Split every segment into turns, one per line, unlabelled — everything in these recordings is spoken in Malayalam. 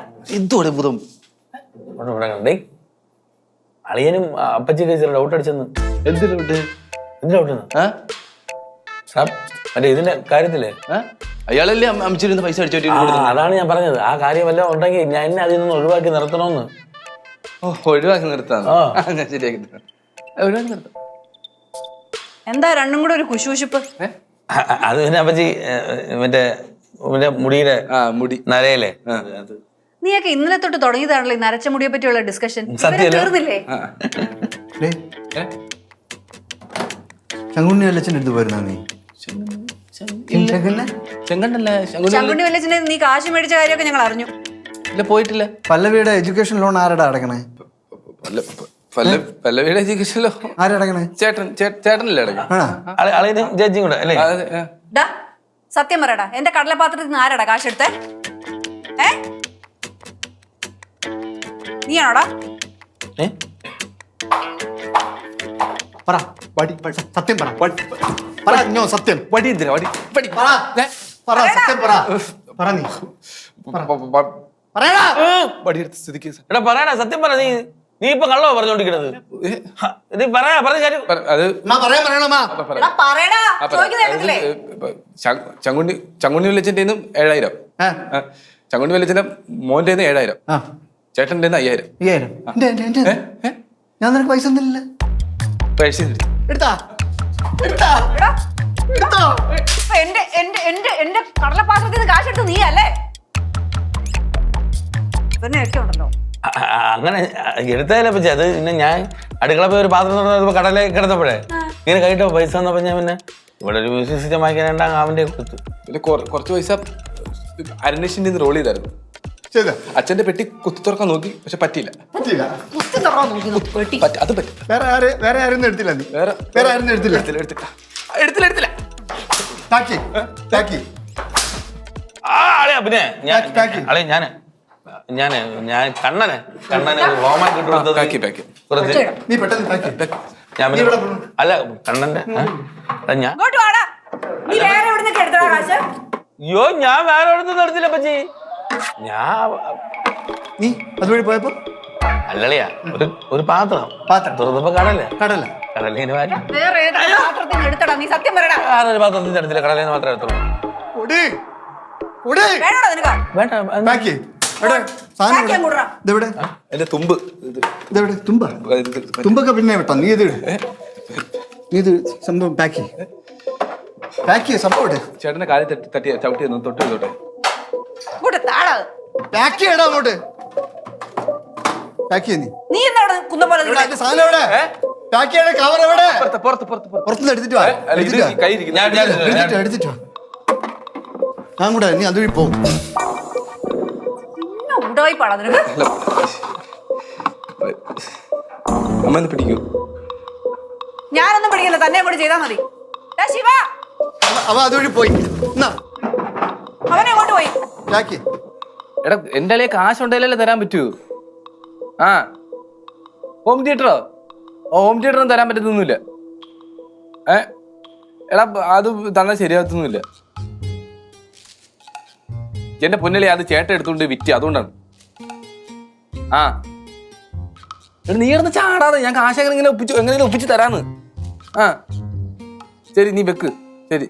എന്തോടെ ഭൂതം
അളിയനും അപ്പച്ചിക്ക് ചില ഡൗട്ട് അടിച്ചെന്ന്.
എന്തിനാ
ഡൗട്ടെന്ന് മറ്റേ ഇതിന്റെ കാര്യത്തില്
അയാളല്ലേ അമ്മച്ചിരുന്ന് പൈസ അടിച്ചോട്ടി.
അതാണ് ഞാൻ പറഞ്ഞത്. ആ കാര്യം വല്ലതും ഉണ്ടെങ്കിൽ ഞാൻ എന്നെ അതിൽ നിന്ന് ഒഴിവാക്കി നിർത്തണമെന്ന്.
ഒഴിവാക്കി നിർത്താം. ഞാൻ ശരിയാക്കി ഒഴിവാക്കി നിർത്താം.
എന്താ രണ്ടും കൂടെ ഒരു കുശുകുശുപ്പ്?
അത് പിന്നെ അപ്പച്ചി മറ്റേ മുടിയുടെ
മുടി
നരയല്ലേ.
നീയൊക്കെ ഇന്നലെ തൊട്ട് തുടങ്ങിയതാണല്ലോ ഈ നരച്ച മുടിയെ പറ്റിയുള്ള ഡിസ്കഷൻ. തീർന്നില്ലേ?
ചങ്കുണ്ണി വല്ലച്ചൻ എടുത്ത് പോയിരുന്നാ നീ?
ചങ്കുണ്ണി വല്ലച്ചനെ നീ കാശ് മേടിച്ച കാര്യമൊക്കെ ഞങ്ങൾ അറിഞ്ഞു.
ഇല്ല, പോയിട്ടില്ല.
പല്ലവിയുടെ എഡ്യൂക്കേഷൻ ലോൺ ആരുടെ അടക്കണേ?
പല്ലവിയുടെ എഡ്യൂക്കേഷൻ ലോൺ
ആരടക്കണേ?
ചേട്ടനല്ലേ അടക്കണം?
ജഡ്ജിയും കൂടെ അല്ലേ?
സത്യം പറയടാ, എന്റെ കടലപാത്രത്തിൽ നിന്ന് ആരാടാ കാശ് എടുത്തേ? നീയാണോടാ?
പറ, സത്യം പറ. പറഞ്ഞോ സത്യം.
വടി എന്തിനാ? വടി
പറ, സത്യം പറ. പറ നീ. പറയടാ.
വടി എടുത്ത് സ്ഥിതിക്ക്
എടാ പറയടാ, സത്യം പറ. നീ ഇപ്പൊ കള്ളോ പറഞ്ഞോണ്ടിരിക്കണത്? നീ പറയാ, പറഞ്ഞ കാര്യം
അത് ചങ്കുണ്ണി വിളിച്ചിന്റെ 7,000, ചങ്കുണ്ണി വിളിച്ചിന്റെ മോന്റെ 7,000, ചേട്ടന്റെ 5,000.
ഞാൻ നിനക്ക് പൈസ ഒന്നുമില്ല.
പൈസ
എടുത്താ
എന്റെ കടലപാത്രത്തിൽ നിന്ന് കാശ് എടുത്ത് നീ അല്ലേ? ഒക്കെ ഉണ്ടല്ലോ.
അങ്ങനെ എടുത്തതല്ലേ പറ്റി. അത് പിന്നെ ഞാൻ അടുക്കള പോയി ഒരു പാത്രം തുറന്നപ്പോ കടലേ കിടന്നപ്പോഴേ ഇങ്ങനെ കൈട്ടോ പൈസ വന്നപ്പോ ഞാൻ പിന്നെ ഇവിടെ ഒരു മ്യൂസിക് സിസ്റ്റം വാങ്ങിക്കാനുണ്ട് അവന്റെ കൊടുത്തു. പിന്നെ
കുറച്ച് പൈസ അരനേഷിന്റെ റോൾ ചെയ്തായിരുന്നു. അച്ഛന്റെ പെട്ടി കുത്തി തുറക്കാൻ നോക്കി, പക്ഷെ പറ്റിയില്ല. അത് പറ്റി.
വേറെ ആരും എടുത്തില്ല. നീ വേറെ ആരും എടുത്തില്ല.
പിന്നെ ഞാൻ കണ്ണനെ റോമാൻ കിട്ടുന്നത് അല്ല കണ്ണന്റെ ഞാൻ അയ്യോ ഞാൻ വേറെ എവിടുന്ന് എടുത്തില്ല പച്ചി.
നീ അതുവഴി പോയപ്പോ
അല്ലളിയാ ഒരു പാത്രം തുറന്നപ്പോ കടലേ കടലേന് പാത്രത്തിന്റെ എടുത്തില്ല, കടലേന്ന് മാത്രമേ എടുത്തുള്ളൂ.
തുമ്പൊക്കെ പിന്നെ വിട്ടോ. നീ ഇത് സംഭവം പാക്ക് സംഭവം
ചേട്ടന്റെ കാര്യം തട്ടി ചവിട്ടി തൊട്ട് തൊട്ടെ
പാക്ക് ചെയ്യടാ അങ്ങോട്ട്. പാക്ക് ചെയ്യ.
നീ എന്താ
സാധനം എവിടെ? പാക്ക് ചെയ്യണ കവർ എവിടെ? പുറത്തുനിന്ന് എടുത്തിട്ട് വാ. എടുത്തിട്ട് വാ. ഞാൻ കൂടെ നീ അതുവഴി പോവും.
അമ്മ പിടിക്കൂ.
ഞാനൊന്നും പിടിക്കില്ല, തന്നെ കൂടെ ചെയ്താൽ മതി. ശിവ
അവ അതുവഴി പോയി.
അവനെങ്ങോട്ട് പോയി?
എടാ എന്റെ അളിയെ കാശുണ്ടെങ്കിലല്ലേ തരാൻ പറ്റൂ. ഹോം തിയേറ്ററോ? ഹോം തിയേറ്ററൊന്നും തരാൻ പറ്റത്തൊന്നുമില്ല. എടാ അത് തന്നെ ശരിയാകത്തൊന്നുമില്ല. എന്റെ പൊന്നലി അത് ചേട്ടൻ എടുത്തോണ്ട് വിറ്റ്, അതുകൊണ്ടാണ്. നീ ഇടുന്ന് ചാടാതെ, ഞാൻ കാശ് എങ്ങനെയെങ്കിലും ഒപ്പിച്ച് തരാന്ന്. ശരി നീ വെക്ക്. ശരി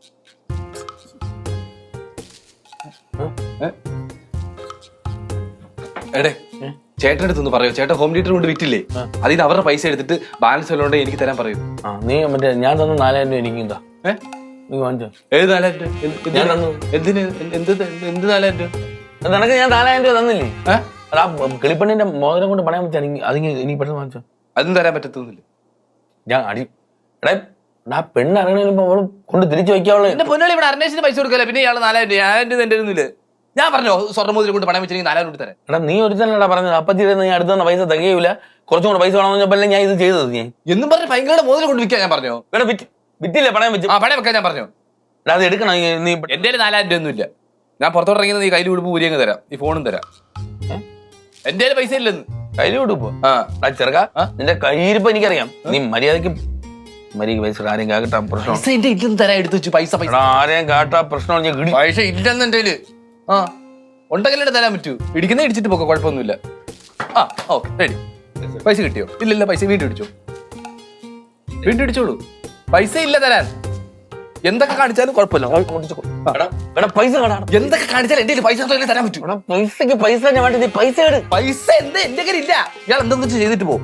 എടേ ചേട്ടൻ്റെ അടുത്തൊന്ന് പറയോ. ചേട്ടൻ ഹോം തിയേറ്റർ കൊണ്ട് വിറ്റില്ലേ, അതിന് അവരുടെ പൈസ എടുത്തിട്ട് ബാലൻസ് വല്ലോണ്ട് എനിക്ക് തരാൻ പറയൂ.
നീ മറ്റേ ഞാൻ തന്ന 4,000 രൂപ എനിക്ക് എന്താ? നീ വാങ്ങിച്ചോ.
ഏത് 4,000 രൂപ? എന്തിന്? എന്ത് 4,000 രൂപ?
നിനക്ക് ഞാൻ 4,000 രൂപ തന്നില്ലേ? കിളിപ്പണ്ണിന്റെ മോതിരം കൊണ്ട് പണയാൻ പറ്റാ. ഇനി പെട്ടെന്ന് വാങ്ങിച്ചോ.
അതും തരാൻ പറ്റത്തൊന്നുമില്ല.
ഞാൻ അടി എടേ പെണ്ണ് ഇറങ്ങണ കൊണ്ട് തിരിച്ചു വയ്ക്കാവുള്ളൂ.
എന്റെ പൊന്നാളി ഇവിടെ അരനേഷിന് പൈസ കൊടുക്കല്ലേ, പിന്നെ ഇയാൾ 4,000 രൂപ. 1,000 രൂപ എന്റെ ഒന്നുമില്ല. ഞാൻ പറഞ്ഞോ സ്വർണ്ണമോതിരം കൊണ്ട് പണയം വെച്ചിട്ട് 4,000 രൂപ തരാം.
എടാ നീ ഒരുത്തനടാ പറഞ്ഞത് അപ്പച്ചി ഞാൻ അടുത്ത് തന്ന പൈസ തികയൂല, കുറച്ചും കൂടെ പൈസ വേണമെന്ന് പറഞ്ഞപ്പോ ഞാൻ ഇത് ചെയ്തത്. ഞാൻ
എന്നും പറഞ്ഞ് ഭയങ്കര മോതിരം കൊണ്ട് വിൽക്കാൻ ഞാൻ പറഞ്ഞോ.
ഇവിടെ വിറ്റില്ലേ പണയം വെച്ച്?
പണയം വെക്കാൻ ഞാൻ പറഞ്ഞോ.
അത് എടുക്കണം. നീ
എന്റെ 4,000 രൂപ ഒന്നുമില്ല. ഞാൻ പുറത്തോട്ട് ഇറങ്ങിയത് നീ കയ്യിൽ വിടുമ്പോ ഊരിയങ്ങ് തരാം, ഈ ഫോണും തരാം. എന്റെ പൈസ ഇല്ലെന്ന്
കയ്യിൽ വിടുപ്പോ? ചെറുക്ക നിന്റെ കയ്യിരിപ്പോ എനിക്കറിയാം. നീ മര്യാദക്ക് പൈസ ആരെയും കാട്ടാ പ്രശ്നം.
തരാൻ എടുത്തു വെച്ചു പൈസ.
ആരെയും കാട്ടാ പ്രശ്നം.
പൈസ ഇല്ലെന്ന് എന്റെ ഉണ്ടെങ്കിലേ തരാൻ പറ്റൂ. ഇടിക്കുന്ന ഇടിച്ചിട്ട് പോക്കോ, കുഴപ്പമൊന്നുമില്ല. ആ ഓക്കെ റെഡി. പൈസ കിട്ടിയോ? ഇല്ലല്ല, പൈസ വീണ്ടും ഇടിച്ചോ, വീണ്ടും ഇടിച്ചോളൂ. പൈസ ഇല്ല തരാൻ. എന്തൊക്കെ കാണിച്ചാലും കുഴപ്പമില്ല.
പൈസ കടാ,
എന്തൊക്കെ കാണിച്ചാലും എന്റെ പൈസ തരാൻ പറ്റൂ.
പൈസക്ക് പൈസ ഞാൻ വേണ്ടി, നീ പൈസ എടു.
പൈസ എന്താ എന്റെ കയ്യിൽ ഇല്ല. ഇയാൾ എന്തെന്ന് ചെയ്തിട്ട് പോകും.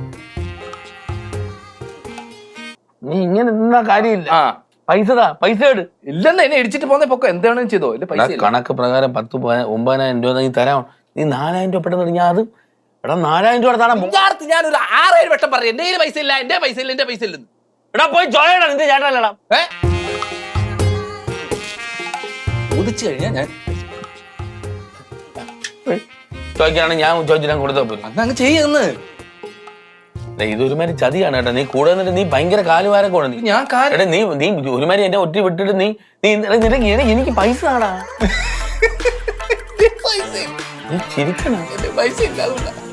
നീ ഇങ്ങനെ നിന്നാ കാര്യമില്ല.
ആ
പൈസ പൈസ എടു.
ഇല്ലെന്ന് എന്നെ ഇടിച്ചിട്ട് പോകുന്ന പൊക്ക എന്താണെന്ന് ചെയ്തോ. എന്റെ പൈസ ഇല്ല.
കണക്ക് പ്രകാരം 9,000 രൂപ നീ തരാം. നീ 4,000 രൂപ പെട്ടെന്ന് ഞാൻ അത് എടാ 4,000 രൂപ തരാം.
ഞാനൊരു 6-7 വട്ടം പറഞ്ഞു എന്റെ കയ്യിൽ പൈസ ഇല്ല, എന്റെ പൈസ ഇല്ല, എന്റെ പൈസ ഇല്ലെന്ന്.
എടാ പോയി ചോയടാ, നിന്റെ ചേട്ടനല്ലടാ.
ചോദിച്ചു കഴിഞ്ഞാൽ ഞാൻ
ചോദിക്കുകയാണെങ്കിൽ ഞാൻ ചോദിച്ചിട്ട് കൊടുത്താ പോലും.
അന്നങ്ങ് ചെയ്യുന്നു.
ഇതൊരുമാതിരി ചതിയാണ് കേട്ടോ. നീ കൂടെ നിന്നിട്ട് നീ ഭയങ്കര കാലുവാരൊക്കെ ഉണ്ട്.
ഞാൻ
എടാ നീ ഒരുമാതിരി എന്നെ ഒറ്റ വിട്ടിട്ട് നീ എനിക്ക് പൈസ ആടാ.
പൈസ
നീ ചിരിക്കണം.
പൈസ ഇല്ല.